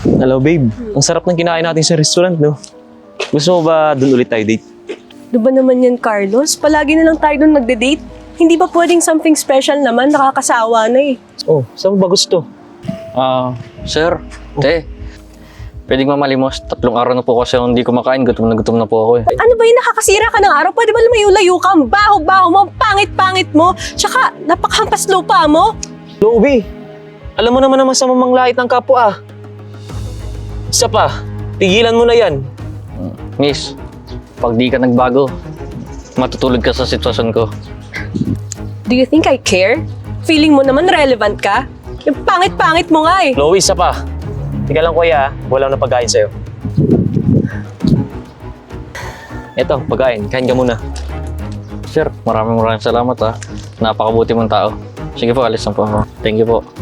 Hello, babe. Ang sarap ng kinain natin sa restaurant, no? Gusto mo ba doon ulit tayo date? Ano ba naman yan, Carlos? Palagi na lang tayo doon nagde-date. Hindi ba pwedeng something special naman? Nakakasawa na eh. Oh, saan mo ba gusto? Sir, te, pwedeng mamalimos. 3 araw na po kasi hindi kumakain. Gutom na po ako eh. Ano ba yun? Nakakasira ka ng araw? Pwede ba lumayo-layo ka? Ang baho-baho mo, ang pangit-pangit mo. Tsaka, napakahampas lupa mo. Chloe, alam mo naman ang masamang manglait ng kapwa, ah. Isa pa, tigilan mo na yan. Miss, pag di ka nagbago, matutulog ka sa sitwasyon ko. Do you think I care? Feeling mo naman relevant ka? Yung pangit-pangit mo nga eh. Chloe, isa pa. Tika lang, kuya, ah. Wala na pagkain sa'yo. Eto, pagkain. Kain ka muna. Sir, maraming salamat ha. Napakabuti mong tao. Sige po, alis na po ako. Thank you po.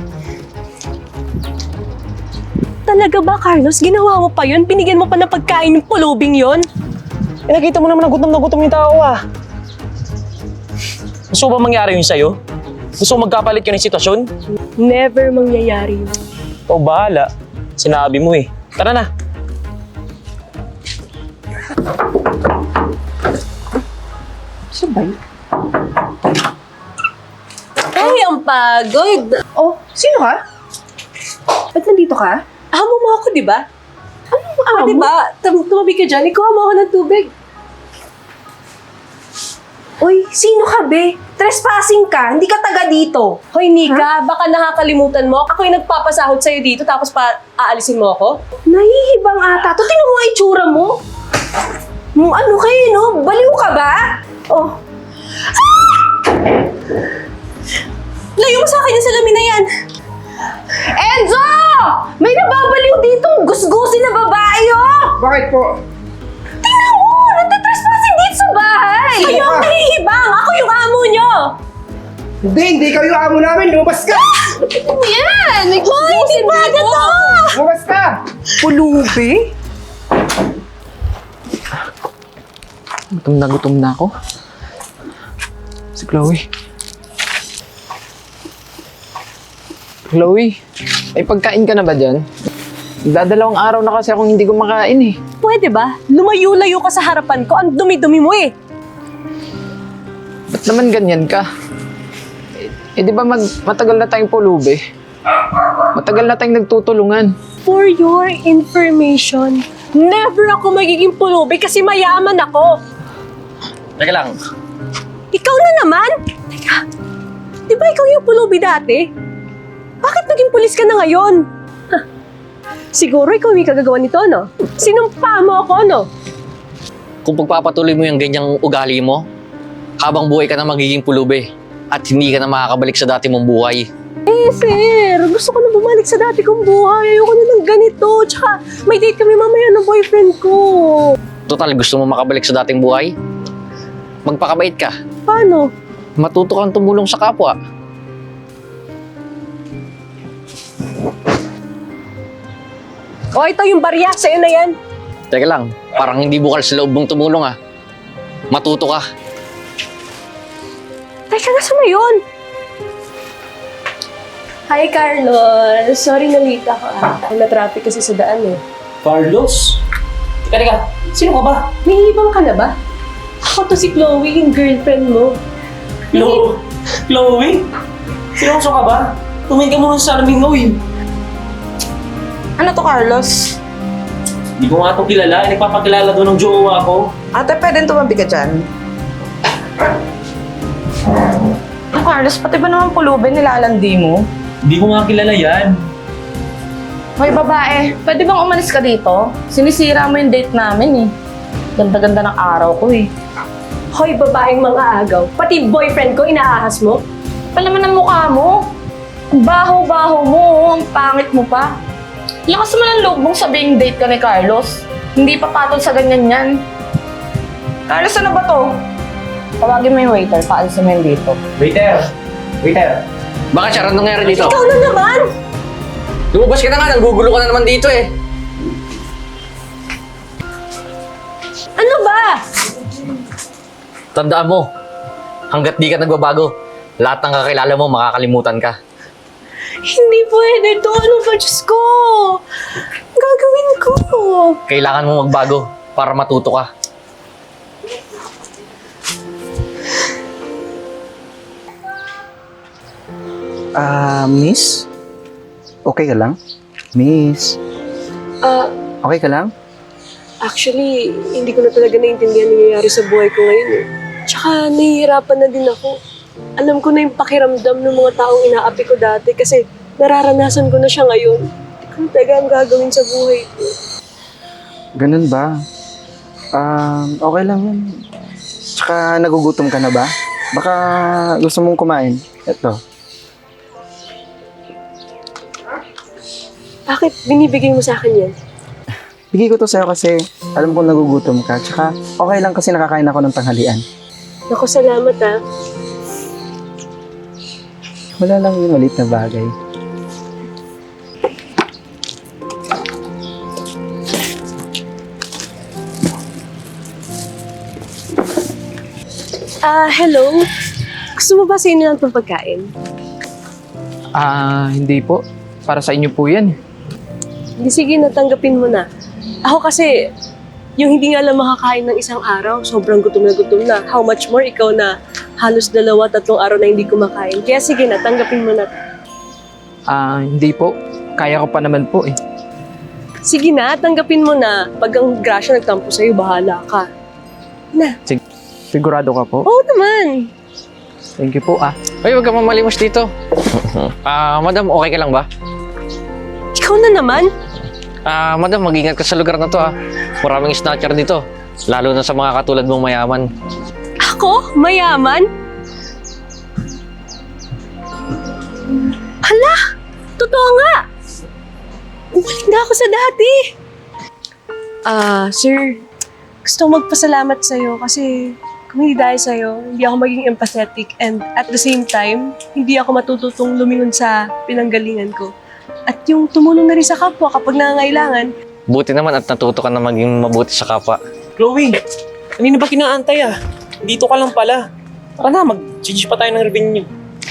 Talaga ba, Carlos? Ginawa mo pa yun? Binigyan mo pa ng pagkain ng pulubing yun? Eh, nakita mo naman na gutom yung tao, ah. Gusto mo ba mangyari yun sa'yo? Gusto mo magkapalit ka ng sitwasyon? Never mangyayari yun. Ikaw bahala. Sinabi mo eh. Tara na. Sabay? Ay, ang pagod. Oh, sino ka? Ba't nandito ka? Amo mo ako, di ba? Anong Ah, di ba? Tumabi ka dyan. Ikuha mo ako ng tubig. Uy, sino ka, be? Trespassing ka, hindi ka taga dito. Hoy, Nika, baka nakakalimutan mo. Ako yung nagpapasahod sa'yo dito tapos aalisin mo ako? Nahihibang ata to. Tingnan mo nga itsura mo. Ano kayo, no? Baliw ka ba? Oh, Layo mo sa akin yung salamin na yan. Enzo! May nababaliw ditong gusgusin na babae, oh! Bakit po? Tingnan mo! Nagtatrespassing dito sa bahay! Kayo ang nahihibang! Ako yung amo nyo! Hindi kayo yung amo namin. Lumabas ka! Tingnan mo yan! May Hoy, hindi ba to? Lumabas ka! Pulubi? Gutom na ako. Si Chloe. Chloe, ay pagkain ka na ba dyan? Dadalawang araw na kasi akong hindi kumakain eh. Pwede ba? Lumayo-layo ka sa harapan ko. Ang dumi-dumi mo eh. Ba't naman ganyan ka? Eh di ba matagal na tayong pulubi? Matagal na tayong nagtutulungan. For your information, never ako magiging pulubi kasi mayaman ako. Teka lang, Ikaw na naman? Teka, di ba ikaw yung pulubi dati? Bakit naging pulis ka na ngayon? Huh. Siguro ikaw yung kagagawa nito, no? Sinumpa mo ako, no? kung pagpapatuloy mo yung ganyang ugali mo, habang buhay ka na magiging pulubi at hindi ka na makakabalik sa dati mong buhay. Eh, sir, gusto ko na bumalik sa dati kong buhay. Ayoko na ng ganito. Tsaka, may date kami mamaya ng boyfriend ko. Total, gusto mo makabalik sa dating buhay? Magpakabait ka. Paano? Matuto kang tumulong sa kapwa. O, ito yung barya. Sa'yo na yan. Teka lang, parang hindi bukal sa loob mong tumulong ah. Matuto ka. Teka, nasa na yun? Hi, Carlos. Sorry na late ako na-traffic kasi sa daan eh. Carlos? Teka. Sino ka ba? Nahihibang ka na ba? Ako to si Chloe, yung girlfriend mo. Chloe? Seryoso ka ba? Tumingin ka muna sa salamin mo eh. Ano to, Carlos? Hindi ko nga itong kilala. Nagpapakilala doon ng jowa ko. Ate, pwede tumabi ka dyan. Ano, Carlos? Pati ba naman pulubi nilalandi mo? Hindi ko nga kilala yan. Hoy babae, pwede bang umalis ka dito? Sinisira mo yung date namin eh. Ganda-ganda ng araw ko eh. Hoy, babaeng mga agaw. Pati boyfriend ko, inaahas mo. Palaman ang mukha mo. Ang baho-baho mo, ang pangit mo pa. Lakas mo ng loob mong sabing date ka ni Carlos. Hindi pa patol sa ganyan yan. Carlos, ano ba to? Tawagin mo yung waiter, paalisin mo yung dito. Waiter! Bakit siya? Anong nangyari dito? Ikaw na naman! Lumabas ka na nga, nanggugulo ka na naman dito eh. Ano ba? Tandaan mo, hanggat di ka nagbabago, lahat ng kakilala mo makakalimutan ka. Hindi pwede to. Ano ba, Diyos ko? Kailangan mo magbago para matuto ka. Miss? Okay ka lang? Miss? Okay ka lang? Actually, hindi ko na talaga naiintindihan ang nangyayari sa buhay ko ngayon eh. Tsaka nahihirapan na din ako. Alam ko na yung pakiramdam ng mga taong inaapi ko dati kasi nararanasan ko na siya ngayon. Hindi ko na talaga ang gagawin sa buhay ko. Ganun ba? Okay lang yun. Tsaka nagugutom ka na ba? Baka gusto mong kumain. Ito. Bakit binibigay mo sa akin yan? Bigay ko to sa'yo kasi alam kong nagugutom ka. Tsaka okay lang kasi nakakain ako ng tanghalian. Naku, salamat ah. Wala lang yung maliit na bagay. Hello? Gusto mo ba sa inyo lang itong pagkain? Hindi po. Para sa inyo po yan. Hindi, sige, natanggapin mo na. Ako kasi, yung hindi nga lang makakain ng isang araw, sobrang gutom na gutom na. How much more ikaw na halos 2-3 araw na hindi kumakain. Kaya sige na, tanggapin mo na. Hindi po. Kaya ko pa naman po eh. Sige na, tanggapin mo na. Pag ang grasya nagtampo sa'yo, bahala ka. Na. Sigurado ka po? Oo naman. Thank you po Ay, huwag ka mamalimos dito. Madam, okay ka lang ba? Ikaw na naman. Madam, mag-ingat ka sa lugar na to Maraming snatcher dito. Lalo na sa mga katulad mong mayaman. Ako? Mayaman? Hala! Totoo nga! Bumalik na ako sa dati! Sir, gusto kong magpasalamat sa'yo kasi kung hindi dahil sa'yo, hindi ako maging empathetic and at the same time, hindi ako matututong lumingon sa pinanggalingan ko. At yung tumulong na rin sa kapwa kapag nangangailangan. Buti naman at natuto ka na maging mabuti sa kapwa. Chloe, kanina ba kinaantay Dito ka lang pala. Tara na, mag-change pa tayo ng revenue.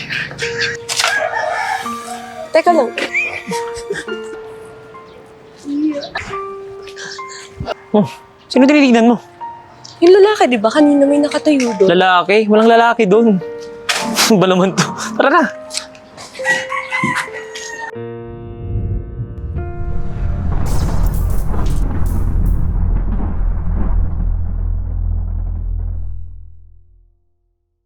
Teka lang. Sino tinitignan mo? Yung lalaki, di ba? Kanina may nakatayo doon. Lalaki? Walang lalaki doon. Ba naman to? Tara na.